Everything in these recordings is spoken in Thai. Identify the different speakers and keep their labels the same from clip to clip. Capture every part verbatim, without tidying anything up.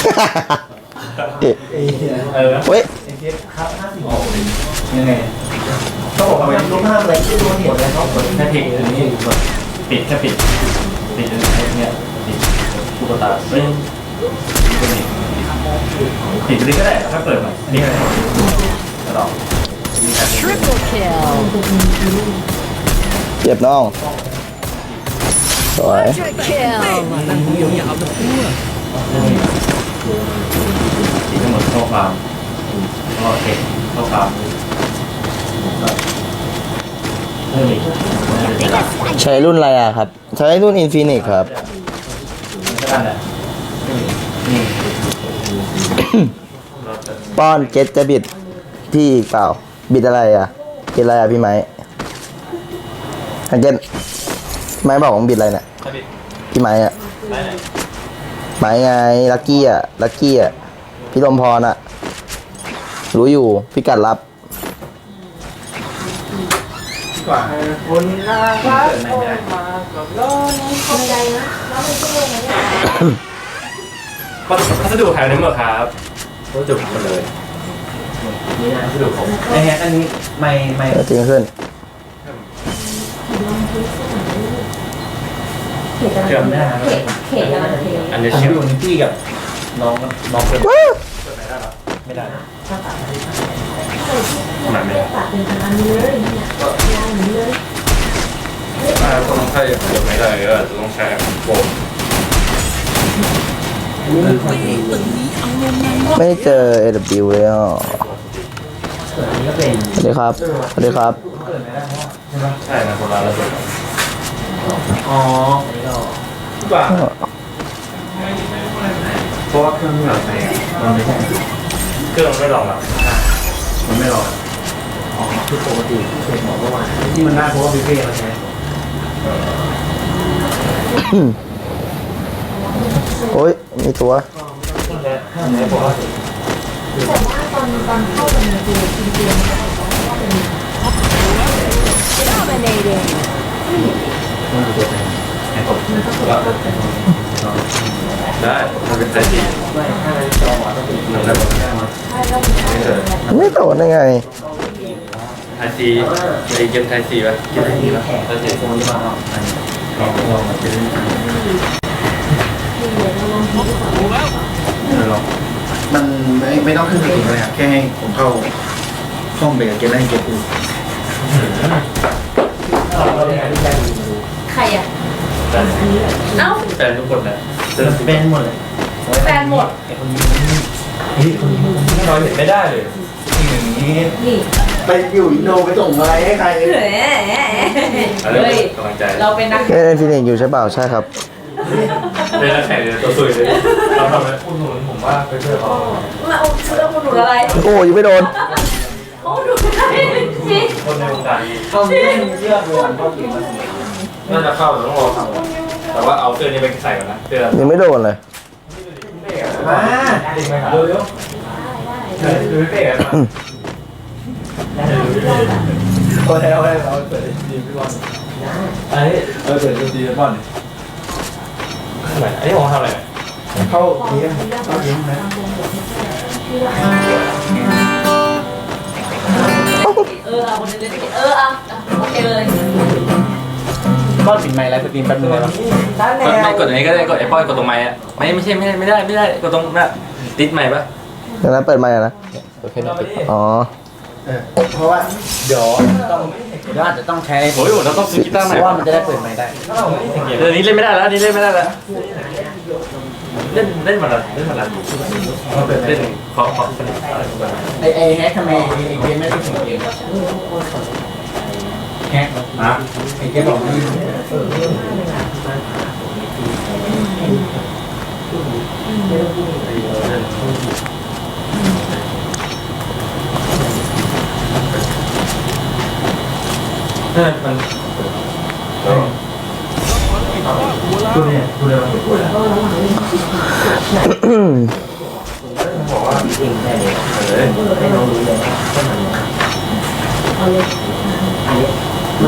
Speaker 1: เออ
Speaker 2: เฮ้ย
Speaker 1: ครับห้าสิบหกยังไงต้องบอกว่าเป็นรูปภาพอะไรที่ดูเห็นเลยเขาเปิดแค่เพลงนี้ปิดแค่ปิดปิดอะไรเนี่ยปิดตุ๊กตาเฮ้ยปิดไปเลยก็ได้ถ้าเปิดมาอันนี้อะไรกระดอง
Speaker 3: Triple kill.
Speaker 2: เจ็บน้องสวย
Speaker 3: Quadra kill.
Speaker 1: สีทั้งหมดข้อความข้อเทคข้อความเพิ่มอีก
Speaker 2: ใช้รุ่นอะไรอ่ะครับใช้รุ่น Infinix ครับ
Speaker 1: ก็ได้แหละนี่
Speaker 2: ป้อนเก็ตจะบิดพี่อีกเปล่าบิดอะไรอ่ะบิดอะไรอ่ะพี่ไม้อันเก็ตไม้บอกผมบิดอะไรเนี่ยพี่ไม้อ่ะไม้ไงลักกี้อ่ะลักกี้อ่ะพี่ลมพรอ่ะรู้อยู่พี่กัดรับ
Speaker 1: กว่าคนน่ารักโอ้มากับร้อนขอบใจนะเราไม่ช่วยนะพัสดุหายไปหมดครับพัสดุหายหมดเลยนี่นะพัสดุของไอ้แฮกอันนี้ไม่ไม่
Speaker 2: จริงขึ้น
Speaker 1: เชื่อมได้ครับอันนี้เชื่อมอยู่ที่กับน้องน้องเปิดเปิดไม่ได้หรอไม่ได้ทำไมไม่ได้ต้องใช้เปิดไม่ได้ก็ต้องใช้โฟม
Speaker 2: ไม่เจอ เอ ดับเบิลยู เลยอ่ะสวัสดีครับสวัสดีครับ
Speaker 1: ใช่นะคนละระเบิดอ๋อป่ะเพราะว่าเครื่องที่เราใช้มันไม่ใช่เครื่องมันไม่รองหรอกมันไม่รองอ๋อคือปกติเช็คหมอเมื่อวานที่มันได้เพราะว่าพี่เป้เราใช้
Speaker 2: โอ้ยมีตัว
Speaker 4: แต่ว่าตอนตอนเข้าไปในตัวจริงๆมันจะบอกว่าเป็น
Speaker 3: Dominating.
Speaker 1: ได้มันเป็นไซส์ดีทำได้หมด
Speaker 2: ไม่โดนได้ไง
Speaker 1: ไทยซีไอเกมไทยซีป่ะเกมไทยซีป่ะไทยซีลองลองมาเล่นลอง
Speaker 5: มันไม่ไม่ต้องขึ้นสกิลเลยครับแค่ให้ผมเข้าห้องเบรกเกมได้เกมอื่น
Speaker 4: ใครอ่ะ
Speaker 1: แฟนเอ้าแฟนทุกคนแหละแฟนหมดเลย
Speaker 4: แฟนหมด
Speaker 1: ไอคนนี้นี่คนนี้เราเห็นไม่ได้เลยทีหนึ่งนี้
Speaker 4: นี่
Speaker 5: ไปอยู่อินโดไปส่งอะไรให้ใคร
Speaker 4: เฮ้ย
Speaker 1: กำลังใจ
Speaker 4: เราเป็นนัก
Speaker 2: เล่นฟินิกอยู่ใช่เปล่าใช่ครับ
Speaker 1: เป็นนักแข่งเลยตัวสวยเลยเราทำอะไรคุณหนุนผมว่าไปช่วยเขา
Speaker 4: มาเอาเสื้อคุณหนุนอะไร
Speaker 2: โอ้ยไม่โดน
Speaker 4: โอ้หนุนอะไรจริง
Speaker 1: คนในวงการ
Speaker 5: เขาไม่มีเสื้อเพื่อนเขาเก็บมา
Speaker 1: น่าจะเข้าแต่ต้องรอทำแต่ว่าเอาเสื้อนี้ไปใส่ก่อนนะเสื้อ
Speaker 2: ยังไม่โดนเลย
Speaker 5: มา
Speaker 1: เร็วเร็วเร็วดูเป๊ะมา
Speaker 5: ก็ให้เราให้เราเปิดดีพี่บอล
Speaker 1: ไอ้เออเปิดดีพี่บอลทำไมไอ้ผมทำอะไร
Speaker 5: เข้าเลี้ยงเข้าเลี้ยงนะ
Speaker 4: เออเอาคนเล่นเออเอาโอเคเลย
Speaker 5: ก็ปิดไมค์ไลฟ์สตรีมแป๊บนึงได้ไหม
Speaker 1: ไม่กดอันนี้ก็ได้กดไอ้ป้อยกดตรงไมค์อ่ะไม่ไม่ใช่ไม่ได้ไม่ได้ไม่ได้กดตรงน่ะติดไมค์ปะ
Speaker 2: เดี๋ยวนะเปิดไมค์นะอ๋อ
Speaker 5: เพราะว่าเดี๋ยวต้องเดี๋ยวอาจจะต้องใช้
Speaker 1: โอ้ยเราต้องซื้อกีตาร์ใหม่
Speaker 5: ว่ามันจะได้เปิดไมค์ได้
Speaker 1: เดี๋ยวนี้เล่นไม่ได้แล้วนี่เล่นไม่ได้แล้วเล่นเล่นมาแล้วเล่นมาแล้วเล่นขอขอ
Speaker 5: ไอไอแฮกทำไมไอเกมไม่ได้ถึงเกมแฮกนะไอเกมบอกไม่
Speaker 1: เออมันพูดเนี่ยพูดเลยว่าพูดแล้วบอกว่าจริงแค่นี้เลยให้น้องรู้เลยว่ามัน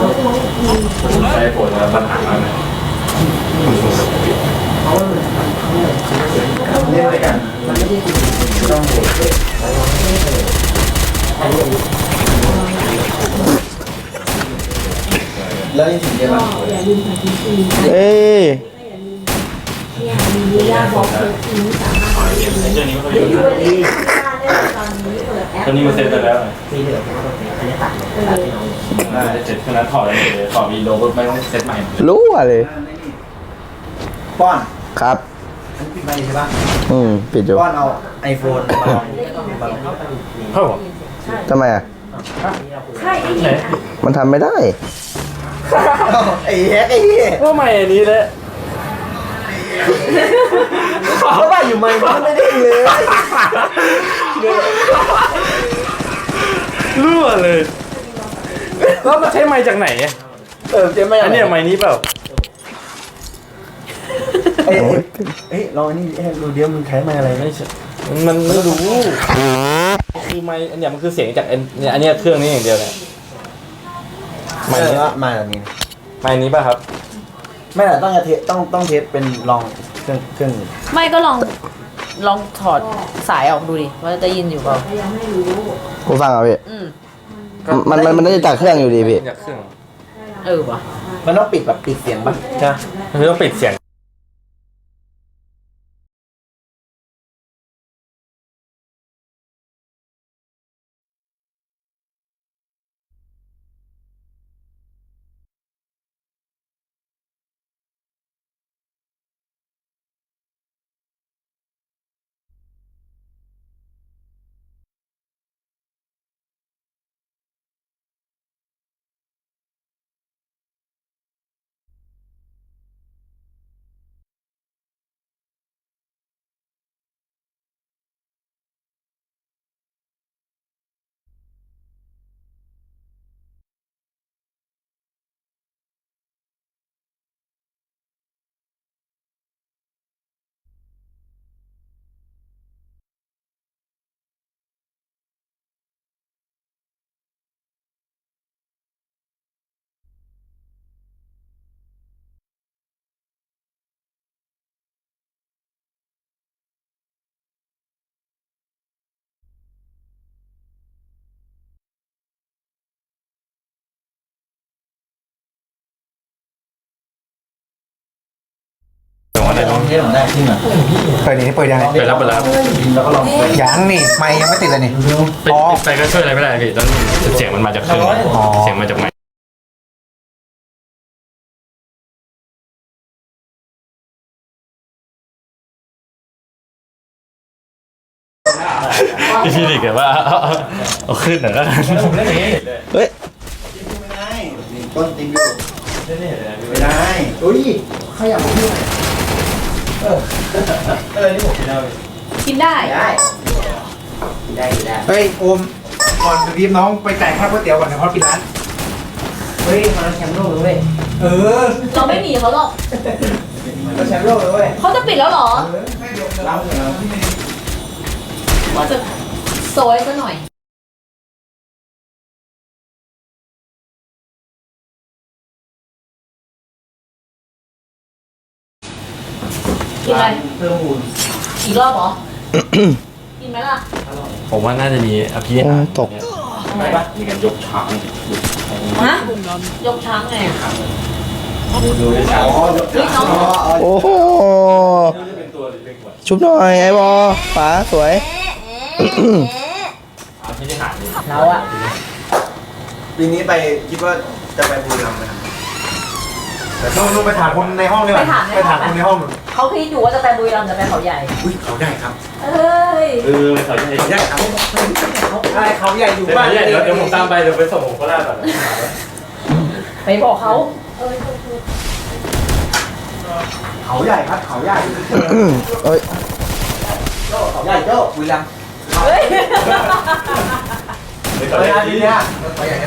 Speaker 1: ใช้ผลแล้วปัญหามากเลย
Speaker 5: เล่นด้วยกันต้องแล้วนี่ถึงเยอะมาก
Speaker 4: อย่าลืมใส่ทีซี
Speaker 2: เอ้ย
Speaker 4: เนี่ยมียาบอกเธอทีนี้สามารถ
Speaker 1: ไอ้เจ้านี้ไม่ค่อย
Speaker 4: เดี๋ยว
Speaker 1: ยุ่
Speaker 4: ดู
Speaker 1: ง
Speaker 4: ที่บ้านได้ตอนนี้เปิดแอป
Speaker 1: ตัวนี้มันเซ็ตไปแล้ว
Speaker 6: มีเหลือผมก็ต้องเป็นอันนี้ตัดตัดที่น้อง
Speaker 1: น่าจะเสร็จขนาดถอดเลยถอดวีโลก็ไม่ต้องเซ็ตใหม่
Speaker 2: รู้อะเลย
Speaker 5: ป้อน
Speaker 2: ครับ
Speaker 5: อันปิดไปใช่ปะ
Speaker 2: อืมปิดอยู่
Speaker 5: ป้อนเอาไอโฟนมาลอง
Speaker 1: เข้าหรอ
Speaker 2: ทำไมอ่ะ
Speaker 4: ใช่ไอ้
Speaker 1: ไหน
Speaker 4: นี่
Speaker 2: มันทำไม่ได้
Speaker 5: ไอ้แฮกไอ้เหี้ย
Speaker 1: ก็ใหม่อันนี้แหละ
Speaker 5: เขาว่าอยู่ไหมมันไม่ได้เลย
Speaker 1: รั่วเลยแล้วมาใช้ไม้จากไหน
Speaker 5: เออเจ๊ไม่
Speaker 1: อันเนี้ยไม้นี้เปล่า
Speaker 5: เอ้ยเอ้ยลองอันนี้ให้ดูเดี๋ยวมันใช้ไมอะไร
Speaker 1: ไม่ใช่มันไม่รู้คือไม้อันเนี้ยมันคือเสียงจากอันเนี่ยอันเนี้ยเครื่องนี้อย่างเดียวเนี่ย
Speaker 5: ไม่
Speaker 1: ไม้นี้
Speaker 5: ละมาแบบนี้
Speaker 1: ไม้นี้ป่ะครับ
Speaker 5: ไม่ละต้องเทสต้องต้องเทสเป็นลองเครื่องเครื่อง
Speaker 3: ไม่ก็ลองลองถอดสายออกดูดิว่าจะยินอยู่เปล่า
Speaker 4: ยังไม่รู้
Speaker 2: กูฟังเอาพี่
Speaker 3: อืม
Speaker 2: มันมันมันน่าจะจากเครื่องอยู่ดีพี่
Speaker 1: จากเครื่อง
Speaker 3: เออว่ะ
Speaker 5: มันต้องปิดแบบปิดเสียงปะ
Speaker 1: ใช่คือต้องปิดเสียงอะไร
Speaker 5: ลองเทสผมได้ขึ้นอ่ะ
Speaker 7: เปิดนี่เปิดยังไง
Speaker 1: ไปรับไปรับ
Speaker 5: แล้วก็ลองไป
Speaker 7: ยังนี่ไม่ยังไม่ติดเลยนี่
Speaker 1: ปิดไปก็ช่วยอะไรไม่ได้พี่ต้องเสียงมันมาจากเครื่องเสียงมาจากไม้พี่พี่ดิแกว่าเอาขึ้นหน่อยแล้วกัน
Speaker 2: เฮ้ย
Speaker 5: ไม่ได้ต้นติงอยู่ไม่ได้อุ้ยขยับมาที่ไหนเออเออนี่ผมกินได้
Speaker 3: กินได้
Speaker 5: ได้ได้ได้
Speaker 7: เฮ้ยโอมก่อนจะรีบน้องไปจ่ายค่าก๋วยเตี๋ยวก่อนนะเพราะปิดร้าน
Speaker 6: เฮ้ยมาแชมป์โลกเลยเว้ย
Speaker 7: เออ
Speaker 3: เราไม่หนีเขาหรอก
Speaker 5: มันก็แชมป์โลกเลยเว้ย
Speaker 3: เขาจะปิดแล้วเหรอ
Speaker 5: เราเหรอ
Speaker 3: ว่าจะโซยซะหน่อยกินอะไร
Speaker 5: เพิ่มมูล
Speaker 3: อีกรอบเหรอ กินไหมล่ะ
Speaker 1: ผมว่าน่าจะมีอภิ
Speaker 2: โอ้ตก
Speaker 1: ทำไมปะมีการยกช้าง
Speaker 3: ฮะ ยกช้างไง
Speaker 1: ดูได้ช้าง
Speaker 5: อ๋อ
Speaker 3: เฮ้ยน้อง
Speaker 2: โอ้โห
Speaker 1: เป็นตัวหรือเป็นขวด
Speaker 2: ชุบหน่อยไอ้บอป๋าสวย
Speaker 1: เอาที่ได้หาดิ
Speaker 6: เราอะ
Speaker 5: ปีนี้ไปคิดว่าจะไปบุรีรัมย์ไหมครับ
Speaker 7: แต่ต้องต้องไปถามคนในห้องดีกว่าไปถามคนในห้องหน่อย
Speaker 3: เขาคิดอยู่ว่าจะไปบุรีรัมย์จะไปเขาใหญ่
Speaker 5: อุ้ยเขาได้ครับ
Speaker 3: เอ้ย
Speaker 1: เออเขาจะ
Speaker 5: เขาได้ครับ
Speaker 7: ใช่เขาใหญ่อยู่
Speaker 1: เดี๋ยว
Speaker 7: บ้าน
Speaker 1: เดี๋ยวเดี๋ยวผมตามไปเดี๋ยวไปส่งผมก็ได้แบบ
Speaker 3: ไปบอกเขา
Speaker 5: เขาใหญ่ครับเขาใหญ่
Speaker 2: เอ้ย
Speaker 5: เขาใหญ่โจ้บุรีรัมย์
Speaker 3: เฮ้ย
Speaker 1: เดี๋ยว
Speaker 5: เขา
Speaker 1: เขา
Speaker 5: ใหญ่
Speaker 1: จะ
Speaker 5: ดีเนี่ยเขาใหญ่ได้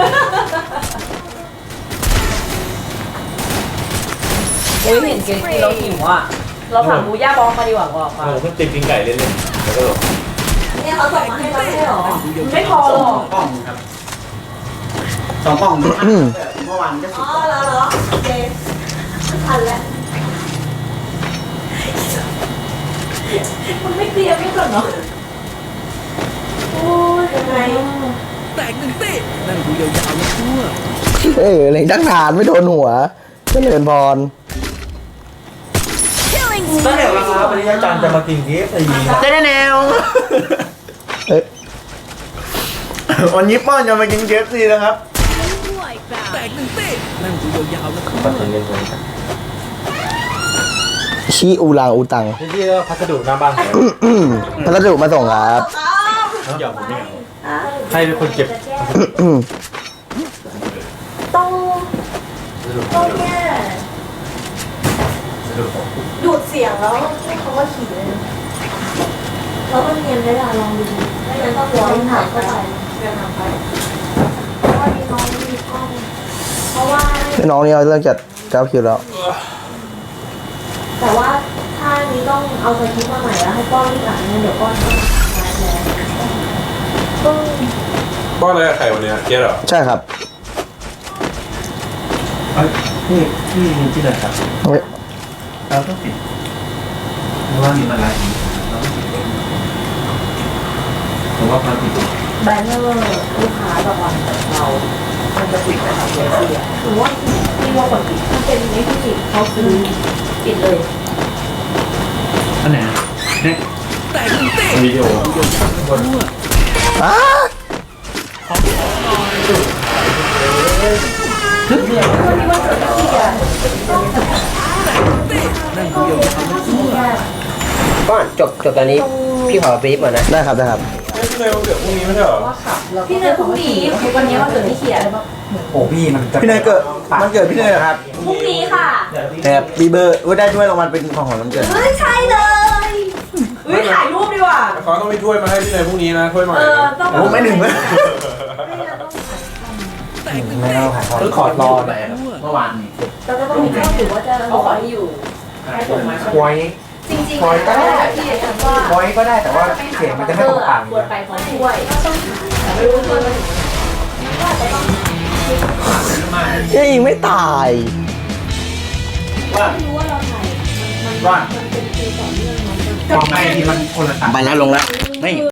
Speaker 3: เฮ้ยเห็นเกมเราหิวอ่ะ เราสั่งบูย่าบองมาดีกว่าบอกค่ะ
Speaker 1: ผมเพิ่งติดกินไก่เล่นๆแล้วก็
Speaker 3: เนี่ยเขาส่งมาให้เราไม่ใช่หรอ ไม่พอหรอก
Speaker 5: กล่องครับสองกล่องเมื่อวานก็สิ
Speaker 3: อ๋
Speaker 5: บ
Speaker 3: อแล้วเหรอโอเคทันแล้วมันไม่เตรียมไม่ก่อนเนาะโอ้ยยังไง
Speaker 2: เออเล็งตั้งนานไม่โดนหัวเจริญพร
Speaker 5: ตั้งแต่ราคาปริยาจันทร์จะมากินเกฟซี
Speaker 2: ได้แนวเอ้ย
Speaker 5: วันนี้ป้อนจะมากินเกฟซีนะครับ
Speaker 2: ชีอูรังอูตัง
Speaker 7: ที่ที่ก็พัสดุหน้าบ้าน
Speaker 2: พัสดุมาส่งครับ
Speaker 1: เดี๋ยวผมไม่เอาใครเป็นคนเก็บ
Speaker 3: ต้องต้องแค่ดูดเสียงแล้วให้เขาว่าขี่เลยแล้วมันเนียนได้ละลองดูไม่งั้นต้องร้อยถ่ายเข้าไปเรียนทำไปเพราะว่ามีน้องมีกล้องเพราะว่า
Speaker 2: พี่น้องนี่เอาเรื่องจัดเก้าคิวแล้ว
Speaker 3: แต่ว่าถ้านี้ต้องเอาสคริปต์มาใหม่แล้วให้ป้อนที่หลังเนี่ยเดี๋ยวป้อนต้องมาแล้วต้อง
Speaker 7: บ้านอะไรกับใครวันนี้เจ๊เหรอ
Speaker 2: ใช่ครับ
Speaker 1: พี่พี่มีที่ไหนครับ
Speaker 2: เฮ้ย
Speaker 1: เราต้องปิดเพราะว่ามีมาลายเราต้องปิดผมว่าเราปิด
Speaker 3: แบนเนอร์ลูกค้าแบบวันเรามันจะปิดนะครับเสียเสียหรือว่าที่ว่าคนปิดถ้าเป็นไม่ที่ปิดเขาซื้อปิดเลย
Speaker 1: อันไหนเนี่ยวิดีโอ
Speaker 2: อ้า
Speaker 3: วันนี้วันเกิดพี่อ่ะนั่นคือโยมทำให้พี่อ่ะ
Speaker 6: ก็จบจบตอนนี้พี่ขอบรีฟก่อนนะ
Speaker 2: ได้ครับได้ครับ
Speaker 7: พี่เนยวันเกิดพรุ่งนี้ไม่ใช่เหรอ
Speaker 3: พี่เนยพรุ่งนี้วันนี้วันเกิดพี่เขียน
Speaker 5: โอ้พี่มันพี่เนยเกิดมันเกิดพี่เนยเหรอครับ
Speaker 3: พรุ่งนี้ค่ะ
Speaker 5: แอบบีเบอร์ว่าได้ด้วยรางวัลเป็นของของน้ำเกิด
Speaker 3: เฮ้ยใช่เลยเฮ้ยถ่ายรูปดีกว่า
Speaker 7: เขาต้องมีถ้วยมาให้พี่เนยพรุ่งนี้นะถ้วยใหม่
Speaker 3: เออต้อง
Speaker 5: โอ้ไม่หนึ่งเลย
Speaker 6: ไม่ต้องถ่ายทอด
Speaker 1: เพิ่งขอรอไปเมื่อวานนี้
Speaker 3: เราจะต้องมีข้อถือว่าจะเอาขอให้อยู่ให้ผมมา
Speaker 5: ไว้
Speaker 3: จริงๆก็ได้ที่จะว่า
Speaker 5: ไว้ก็ได้แต่ว่าเสียงมันจะไม่ตรงต่าง
Speaker 3: ควรไปพร้อมด้วยแต่ไม่รู้ว่ามันว่าจะต้อง
Speaker 2: ยังยิงไม่ตาย
Speaker 5: ว่า
Speaker 3: ไม่รู้ว่าเราถ่ายมันมัน
Speaker 5: ว่า
Speaker 3: มันเป็นคิวต่อเนื่องมัน
Speaker 5: ความไม่ที่มันคนละต่าง
Speaker 2: ไปแล้วลงแล้ว
Speaker 5: ไม่